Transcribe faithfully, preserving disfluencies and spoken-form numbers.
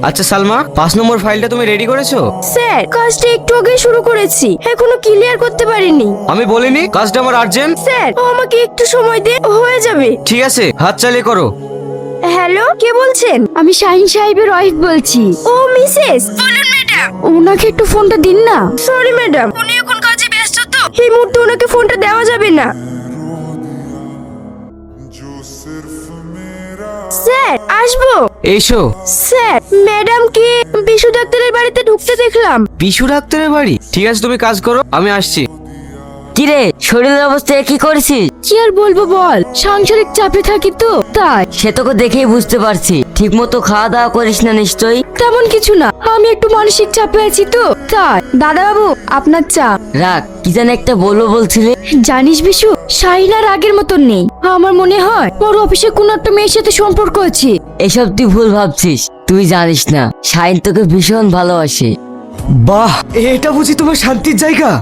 আচ্ছা সালমা, পাঁচ নম্বর ফাইলটা তুমি রেডি করেছো? স্যার কাজটা একটু আগে শুরু করেছি, এখনো ক্লিয়ার করতে পারিনি। আমি বলিনি কাজটা আমার আর্জেন্ট? স্যার আমাকে একটু সময় দে, হয়ে যাবে। ঠিক আছে, হাত চালিয়ে করো। হ্যালো, কে বলছেন? আমি শাহিন সাহেবের ওয়াইফ বলছি। ও মিসেস, বলুন ম্যাডাম। ওনাকে একটু ফোনটা দিন না। সরি ম্যাডাম, উনি এখন কাজে ব্যস্ত তো, এই মুহূর্তে ওনাকে ফোনটা দেওয়া যাবে না। স্যার আসবো? এসো। স্যার ম্যাডামকে বিশু ডাক্তারের বাড়িতে ঢুকতে দেখলাম। বিশু ডাক্তারের বাড়ি? ঠিক আছে, তুমি কাজ করো, আমি আসছি। কিরে, শরীরের অবস্থা কি করেছিস? কি আর বলবো বল, সাংসারিক চাপে থাকি তো তাই। সে তোকে দেখেই বুঝতে পারছি, ঠিক মতো খাওয়া দাওয়া করিস না নিশ্চয়ই। তেমন কিছু না, আমি একটু মানসিক চাপে আছি তো তাই। দাদা বাবু আপনার চা। রাখ, কি যেন একটা বলবো বলছিলে। জানিস বিশু, শাহিন আর আগের মতন নেই। আমার মনে হয় ওর অফিসে কোন একটা মেয়ের সাথে সম্পর্ক আছে। এসব তুই ভুল ভাবছিস, তুই জানিস না শাহিন তোকে ভীষণ ভালোবাসে। বাহ, এটা বুঝি তোমার শান্তির জায়গা?